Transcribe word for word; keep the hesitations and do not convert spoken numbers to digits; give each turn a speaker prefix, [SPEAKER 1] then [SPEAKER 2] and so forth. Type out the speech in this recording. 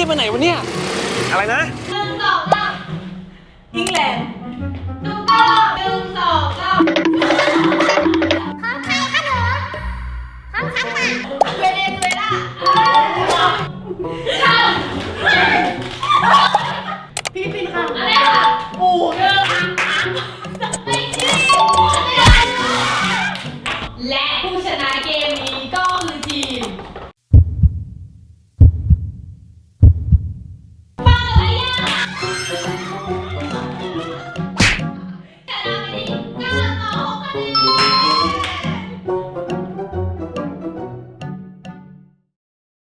[SPEAKER 1] รีบไปไหนวะเนี่ยอะไรนะ
[SPEAKER 2] หนึ่งสองสามยิงแรงถูกต้อง